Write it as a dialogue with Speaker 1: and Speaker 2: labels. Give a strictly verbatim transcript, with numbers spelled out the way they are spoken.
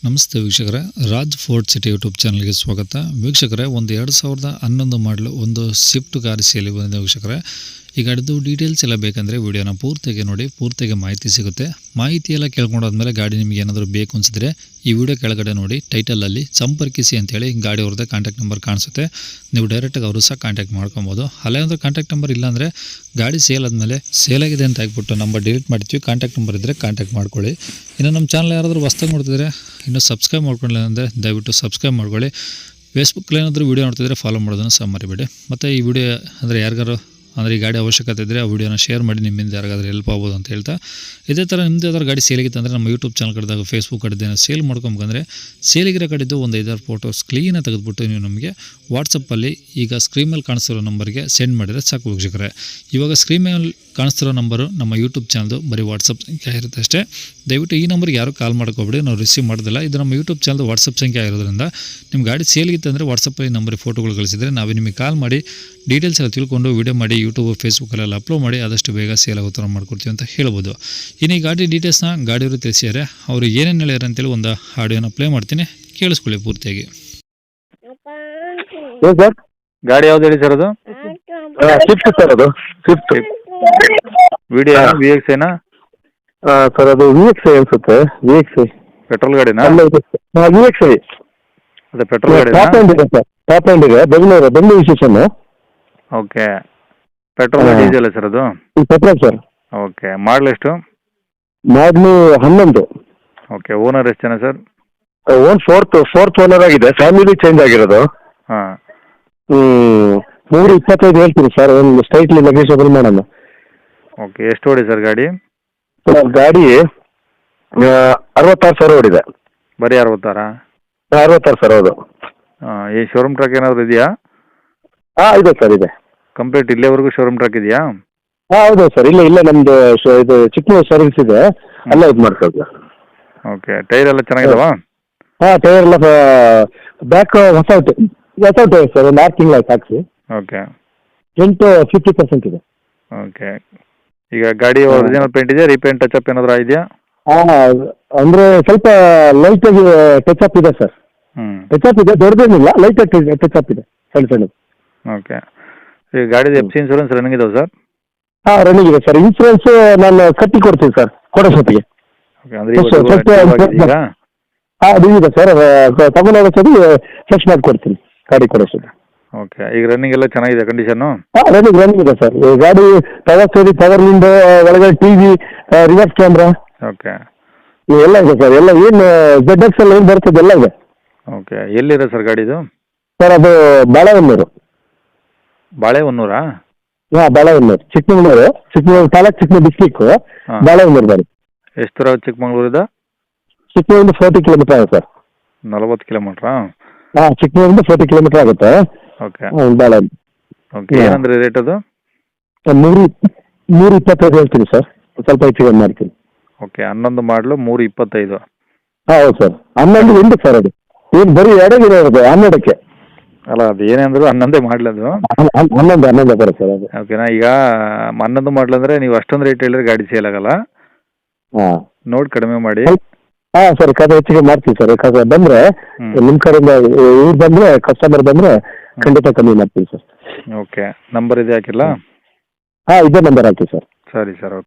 Speaker 1: ನಮಸ್ತೆ ವೀಕ್ಷಕರೇ, Raj fort city YouTube ಚಾನಲ್ಗೆ ಸ್ವಾಗತ. ವೀಕ್ಷಕರೇ, ಒಂದು ಎರಡು ಸಾವಿರದ ಹನ್ನೊಂದು ಮಾಡಲು ಒಂದು ಸ್ವಿಫ್ಟ್ ಕಾರ್ ಸೇಲಿ ಬಂದಿದೆ ವೀಕ್ಷಕರೇ. ಈ ಗಾಡಿದು ಡೀಟೇಲ್ಸ್ ಎಲ್ಲ ಬೇಕಂದರೆ ವಿಡಿಯೋನ ಪೂರ್ತಿಯಾಗಿ ನೋಡಿ, ಪೂರ್ತಿಯಾಗಿ ಮಾಹಿತಿ ಸಿಗುತ್ತೆ. ಮಾಹಿತಿ ಎಲ್ಲ ಕೇಳ್ಕೊಂಡಾದ್ಮೇಲೆ ಗಾಡಿ ನಿಮಗೆ ಏನಾದರೂ ಬೇಕು ಅನಿಸಿದ್ರೆ ಈ ವಿಡಿಯೋ ಕೆಳಗಡೆ ನೋಡಿ ಟೈಟಲಲ್ಲಿ ಸಂಪರ್ಕಿಸಿ ಅಂತೇಳಿ ಗಾಡಿ ಅವ್ರದ್ದೇ ಕಾಂಟ್ಯಾಕ್ಟ್ ನಂಬರ್ ಕಾಣಿಸುತ್ತೆ. ನೀವು ಡೈರೆಕ್ಟಾಗಿ ಅವರು ಸಹ ಕಾಂಟ್ಯಾಕ್ಟ್ ಮಾಡ್ಕೊಬೋದು. ಅಲ್ಲೇ ಒಂದು ಕಾಂಟ್ಯಾಕ್ಟ್ ನಂಬರ್ ಇಲ್ಲಾಂದರೆ ಗಾಡಿ ಸೇಲ್ ಆದಮೇಲೆ ಸೇಲ್ ಆಗಿದೆ ಅಂತ ಹಾಕ್ಬಿಟ್ಟು ನಂಬರ್ ಡಿಲೀಟ್ ಮಾಡ್ತೀವಿ. ಕಾಂಟ್ಯಾಕ್ಟ್ ನಂಬರ್ ಇದ್ದರೆ ಕಾಂಟ್ಯಾಕ್ಟ್ ಮಾಡ್ಕೊಳ್ಳಿ. ಇನ್ನು ನಮ್ಮ ಚಾನಲ್ ಯಾರಾದರೂ ಹೊಸ್ದಾಗಿ ನೋಡ್ತಿದ್ರೆ ಇನ್ನೂ ಸಬ್ಸ್ಕ್ರೈಬ್ ಮಾಡ್ಕೊಳ್ಳಿ ಅಂದರೆ ದಯವಿಟ್ಟು ಸಬ್ಸ್ಕ್ರೈಬ್ ಮಾಡ್ಕೊಳ್ಳಿ. ಫೇಸ್ಬುಕ್ಕಲ್ಲಿ ಏನಾದರೂ ವೀಡಿಯೋ ನೋಡ್ತಿದ್ರೆ ಫಾಲೋ ಮಾಡೋದನ್ನು ಸಹ ಮರಿಬೇಡಿ. ಮತ್ತು ಈ ವಿಡಿಯೋ ಅಂದರೆ ಯಾರಿಗಾರು ಅಂದರೆ ಈ ಗಾಡಿ ಅವಶ್ಯಕತೆ ಇದ್ದರೆ ಆ ವಿಡಿಯೋನ ಶೇರ್ ಮಾಡಿ, ನಿಮ್ಮಿಂದ ಯಾರಿಗಾದ್ರೂ ಹೆಲ್ಪ್ ಆಗ್ಬೋದು ಅಂತ ಹೇಳ್ತಾ, ಇದೇ ಥರ ನಿಮ್ಮದು ಯಾವ್ದಾದ್ರು ಗಾಡಿ ಸೇಲಿಗಿತ್ತು ಅಂದರೆ ನಮ್ಮ ಯೂಟ್ಯೂಬ್ ಚಾನಲ್ ಕಡೆದಾಗ ಫೇಸ್ಬುಕ್ ಕಡೆದೇನೋ ಸೇಲ್ ಮಾಡ್ಕೊಬೇಕಂದ್ರೆ ಸೇಲಿಗಿರೋ ಕಡೆದು ಒಂದು ಐದಾರು ಫೋಟೋಸ್ ಕ್ಲೀನಾಗಿ ತೆಗೆದುಬಿಟ್ಟು ನೀವು ನಮಗೆ ವಾಟ್ಸಪ್ಪಲ್ಲಿ ಈಗ ಸ್ಕ್ರೀನ್ ಮೇಲೆ ಕಾಣಿಸ್ತಿರೋ ನಂಬರ್ಗೆ ಸೆಂಡ್ ಮಾಡಿದರೆ ಸಾಕು ವೀಕ್ಷಕರೇ. ಇವಾಗ ಸ್ಕ್ರೀನ್ ಮೇಲೆ ಕಾಣಿಸ್ತಿರೋ ನಂಬರು ನಮ್ಮ ಯೂಟ್ಯೂಬ್ ಚಾನಲ್ದು ಬರೀ ವಾಟ್ಸಪ್ ಸಂಖ್ಯೆ ಇರುತ್ತೆ ಅಷ್ಟೇ. ದಯವಿಟ್ಟು ಈ ನಂಬರ್ಗೆ ಯಾರು ಕಾಲ್ ಮಾಡ್ಕೊಬೇಡಿ, ನಾವು ರಿಸೀವ್ ಮಾಡೋದಿಲ್ಲ. ಇದು ನಮ್ಮ ಯೂಟ್ಯೂಬ್ ಚಾನಲ್ದು ವಾಟ್ಸಪ್ ಸಂಖ್ಯೆ ಆಗಿರೋದ್ರಿಂದ ನಿಮ್ಮ ಗಾಡಿ ಸೇಲಿಗಿತ್ತು ಅಂದರೆ ವಾಟ್ಸಪ್ಪಲ್ಲಿ ನಂಬರಿಗೆ ಫೋಟೋಗಳು ಕಳಿಸಿದರೆ ನಾವೇ ನಿಮಗೆ ಕಾಲ್ ಮಾಡಿ ಡೀಟೇಲ್ಸ್ ಎಲ್ಲ ತಿಳ್ಕೊಂಡು ವೀಡಿಯೋ ಮಾಡಿ ಯೂಟ್ಯೂಬ್ ಫೇಸ್ಬುಕ್ಕಲ್ಲೆಲ್ಲ ಅಪ್ಲೋಡ್ ಮಾಡಿ ಆದಷ್ಟು ಬೇಗ ಸೇಲ್ ಆಗೋ ಥರ ಮಾಡ್ಕೊಡ್ತೀವಿ ಅಂತ ಹೇಳ್ಬೋದು. ಇನ್ನು ಈ ಗಾಡಿ ಡೀಟೇಲ್ಸ್ನ ಗಾಡಿಯವರು ತಿಳಿಸಿದ್ದಾರೆ. ಅವರು ಏನೇನು ಹೇಳ್ಯಾರ ಅಂತೇಳಿ ಒಂದು ಆಡಿಯೋನ ಪ್ಲೇ ಮಾಡ್ತೀನಿ, ಕೇಳಿಸ್ಕೊಳ್ಳಿ ಪೂರ್ತಿಯಾಗಿ.
Speaker 2: ಸರ್
Speaker 3: ಗಾಡಿ ಯಾವ್ದು ಹೇಳಿ ಸರ್? ಅದು
Speaker 2: ಸ್ವಿಫ್ಟ್ ಸರ್, ಅದು ಸ್ವಿಫ್ಟ್
Speaker 3: ವಿಡಿಯೋ ವಿ ಎಕ್ಸ್ ಏನಾ
Speaker 2: ಸರ್? ಅದು ವಿ ಎಕ್ಸ್ ಐ ಅನ್ಸುತ್ತೆ. ವಿ ಎಕ್ಸ್ ಐ
Speaker 3: ಪೆಟ್ರೋಲ್ ಗಾಡಿನಾ?
Speaker 2: ವಿ ಎಕ್ಸ್ ಐ
Speaker 3: ಅದೇ ಪೆಟ್ರೋಲ್ ಗಾಡಿ.
Speaker 2: ಟಾಪ್ ಎಂಡ್ ಇದೆ ಸರ್, ಟಾಪ್ ಎಂಡ್ ಇದೆ. Bengaluru Bengaluru station.
Speaker 3: Okay, petrol diesel sir ಅದು?
Speaker 2: Petrol sir.
Speaker 3: ಓಕೆ, ಮಾಡಲ್ ಎಷ್ಟು?
Speaker 2: ಮಾಡ್ಲು ಹನ್ನೊಂದು.
Speaker 3: ಓಕೆ, ಓನರ್ ಎಷ್ಟು ಜನ sir?
Speaker 2: Own fourth fourth owner ಆಗಿದೆ. ಫ್ಯಾಮಿಲಿ ಚೇಂಜ್ ಆಗಿರೋದು.
Speaker 3: ಹಾಂ,
Speaker 2: ಹ್ಮ್ ಮೂರು ಇಪ್ಪತ್ತೈದು ಹೇಳ್ತೀನಿ ಸರ್, ಒಂದು ಸ್ಟ್ರೈಟ್ಲಿ ನೆಗೋಷಿಯಬಲ್ ಮಾಡೋಣ.
Speaker 3: ಓಕೆ, ಎಷ್ಟು ಓಡಿ ಸರ್ ಗಾಡಿ?
Speaker 2: ಸರ್ ಗಾಡಿ ಅರವತ್ತಾರು ಸಾವಿರ ಓಡಿದೆ.
Speaker 3: ಬರೀ ಅರವತ್ತಾರಾ?
Speaker 2: ಅರವತ್ತಾರು ಸಾವಿರ ಹೌದು.
Speaker 3: ಹಾಂ, ಈ ಶೋರೂಮ್ ಟ್ರಕ್ ಏನಾದರೂ ಇದೆಯಾ?
Speaker 2: ಹಾಂ ಇದೆ ಸರ್, ಇದೆ.
Speaker 3: ಕಂಪ್ಲೀಟ್ ಇಲ್ಲಿವರೆಗೂ ಶೋರೂಮ್ ಟ್ರಕ್ ಇದೆಯಾ?
Speaker 2: ಹಾಂ ಹೌದು ಸರ್, ಇಲ್ಲ ಇಲ್ಲ ನಮ್ದು ಶ- ಇದು ಚಿಕ್ಕಮಗಳೂರು ಸರ್ವಿಸ್ ಇದೆ, ಅಲ್ಲ ಇದು ಮಾಡ್ಕೊಳ್ಳಿ.
Speaker 3: ಓಕೆ, ಟೈರ್ ಎಲ್ಲ ಚೆನ್ನಾಗಿದಾವಾ?
Speaker 2: ಹಾಂ ಟೈರ್ ಎಲ್ಲ ಬ್ಯಾಕ್ ಹೊಸ ಹೊಸ ಟೈರ್ ಸರ್, ಒಂದು ಆರು ತಿಂಗಳು ಆಯ್ತು ಹಾಕ್ಸಿ.
Speaker 3: ಓಕೆ
Speaker 2: ಫ್ರಂಟ್ ಫಿಫ್ಟಿ ಪರ್ಸೆಂಟ್ ಇದೆ.
Speaker 3: ಓಕೆ, ಈಗ ಗಾಡಿ ಒರಿಜಿನಲ್ ಪೇಂಟ್ ಇದೆಯಾ? ರೀಪೇಂಟ್ ಟಚ್ ಅಪ್ ಏನಾದರೂ ಇದೆಯಾ?
Speaker 2: ಹಾಂ ಅಂದರೆ ಸ್ವಲ್ಪ ಲೈಟಾಗಿ ಟಚ್ ಅಪ್ ಇದೆ ಸರ್.
Speaker 3: ಹ್ಞೂ,
Speaker 2: ಟಚ್ ಅಪ್ ಇದೆ, ದೊಡ್ಡದೇನಿಲ್ಲ, ಲೈಟಾಗಿ ಟಚ್ ಅಪ್ ಇದೆ, ಸಣ್ಣ ಸಣ್ಣದು.
Speaker 3: ಓಕೆ, ಈಗ ಗಾಡಿದು ಎಫ್ ಸಿ ಇನ್ಸೂರೆನ್ಸ್ ರನ್ನಿಂಗ್ ಇದಾವೆ ಸರ್?
Speaker 2: ಹಾಂ ರನ್ನಿಂಗ್ ಇದೆ ಸರ್. ಇನ್ಸೂರೆನ್ಸ್ ನಾನು ಕಟ್ಟಿ ಕೊಡ್ತೀನಿ ಸರ್ ಕೊಡೋಷ್ಟೊತ್ತಿಗೆ.
Speaker 3: ಓಕೆ, ಅಂದರೆ
Speaker 2: ಎಷ್ಟು-
Speaker 3: ಇವತ್ತು
Speaker 2: ಎಷ್ಟು-
Speaker 3: active ಆಗಿದೆ ಈಗ?
Speaker 2: ಹಾಂ ಅದು ಇದೆ ಸರ್, ತಗೊಂಡೋಗೋ ಸರಿ ಫ್ರೆಶ್ ಮಾಡಿಕೊಡ್ತೀನಿ ಗಾಡಿ ಕೊಡೋಷ್ಟೊತ್ತಿಗೆ.
Speaker 3: ಓಕೆ, ಈಗ ರನ್ನಿಂಗ್ ಎಲ್ಲ ಚೆನ್ನಾಗಿದೆ ಕಂಡೀಷನ್ನು?
Speaker 2: ಹಾಂ ರನ್ನಿಂಗ್ ರನ್ನಿಂಗ್ ಇದೆ ಸರ್. ಈ ಗಾಡಿ ಪವರ್ ಸ್ಟೇರಿಂಗ್, ಪವರ್ ವಿಂಡೋ, ಒಳಗಡೆ T V, reverse camera
Speaker 3: okay
Speaker 2: ಎಲ್ಲ ಇದೆ ಸರ್. ಎಲ್ಲ ಏನು ಜೆಡ್ ಎಕ್ಸ್ ಎಲ್ಲ ಏನು ಬರ್ತದೆ ಎಲ್ಲ ಇದೆ.
Speaker 3: ಓಕೆ, ಎಲ್ಲಿದೆ ಸರ್ ಗಾಡಿದು?
Speaker 2: ಸರ್ ಅದು ಬಾಳೆಹೊನ್ನೂರು.
Speaker 3: ಬಾಳೆಹೊನ್ನೂರಾ?
Speaker 2: ಹಾಂ ಬಾಳೆಹೊನ್ನೂರು, ಚಿಕ್ಕಮಗಳೂರು, ಚಿಕ್ಕಮಗಳೂರು ತಾಲೂಕು, ಚಿಕ್ಕಮಗಳೂರು ಡಿಸ್ಟಿಕ್ಕು,
Speaker 3: ಹಾಂ.
Speaker 2: ಬಾಳೆಹೊನ್ನೂರು ಗಾಡಿ.
Speaker 3: ಎಷ್ಟು ದೂರ ಚಿಕ್ಕಮಗಳೂರಿಂದ?
Speaker 2: ಚಿಕ್ಕಮಗಳೂರಿಂದ ಫೋರ್ಟಿ ಕಿಲೋಮೀಟರ್ ಆಗುತ್ತೆ ಸರ್.
Speaker 3: ನಲವತ್ತು ಕಿಲೋಮೀಟ್ರಾ?
Speaker 2: ಹಾಂ ಚಿಕ್ಕಮಗಳೂರಿಂದ ಫೋರ್ಟಿ ಕಿಲೋಮೀಟರ್ ಆಗುತ್ತೆ.
Speaker 3: ಓಕೆ
Speaker 2: ಹ್ಮ್, ಬಾಳೆಹೊನ್ನೂರು.
Speaker 3: ಓಕೆ, ಏನಂದ್ರೆ ರೇಟ್ ಅದು?
Speaker 2: ಸರ್ ನೂರು ನೂರು ಇಪ್ಪತ್ತೈದು ಹೇಳ್ತೀನಿ ಸರ್, ಸ್ವಲ್ಪ ಹೆಚ್ಚಿಗೆ ಮಾಡ್ತೀನಿ.
Speaker 3: ಓಕೆ, ಹನ್ನೊಂದು ಮಾಡಲು ಮೂರು ಇಪ್ಪತ್ತೈದು.
Speaker 2: ಹಾಂ ಹೌದು ಸರ್. ಹನ್ನೊಂದು ಎಂಟು ಸರ್, ಅದು ಏನು ಬರೀ ಎರಡೇ ಇರೋದು ಹನ್ನೆರಡಕ್ಕೆ.
Speaker 3: ಅಲ್ಲ, ಅದು ಏನೇ ಅಂದರೂ ಹನ್ನೊಂದೇ ಮಾಡಲದು.
Speaker 2: ಹನ್- ಹನ್- ಹನ್ನೊಂದು ಹನ್ನೊಂದು ಬರುತ್ತೆ ಸರ್ ಅದು.
Speaker 3: ಓಕೆನಾ, ಈಗ ಹನ್ನೊಂದು ಮಾಡಲು ಅಂದರೆ ನೀವು ಅಷ್ಟೊಂದು ರೇಟ್ ಹೇಳಿದ್ರೆ ಗಾಡಿ ಸೇಲ್ ಆಗಲ್ಲ.
Speaker 2: ಹಾಂ
Speaker 3: ನೋಡಿ ಕಡಿಮೆ ಮಾಡಿ.
Speaker 2: ಹಾಂ ಸರ್, ಕಡೆ ಹೆಚ್ಚಿಗೆ ಮಾಡ್ತೀವಿ ಸರ್. ಯಾಕಂದ್ರೆ ಬಂದರೆ
Speaker 3: ಹ್ಮ್.
Speaker 2: ನಿಮ್ಮ ಕಡೆಯಿಂದ ಇವ್ರು ಬಂದರೆ, ಕಸ್ಟಮರ್ ಬಂದರೆ ಖಂಡಿತ ಕಮ್ಮಿ ಮಾಡ್ತೀವಿ ಸರ್.
Speaker 3: ಓಕೆ, ನಂಬರ್ ಇದೆ ಹಾಕಿಲ್ಲ?
Speaker 2: ಹಾಂ ಇದೇ ನಂಬರ್ ಹಾಕಿ ಸರ್.
Speaker 3: ಸರಿ ಸರ್, ಓಕೆ.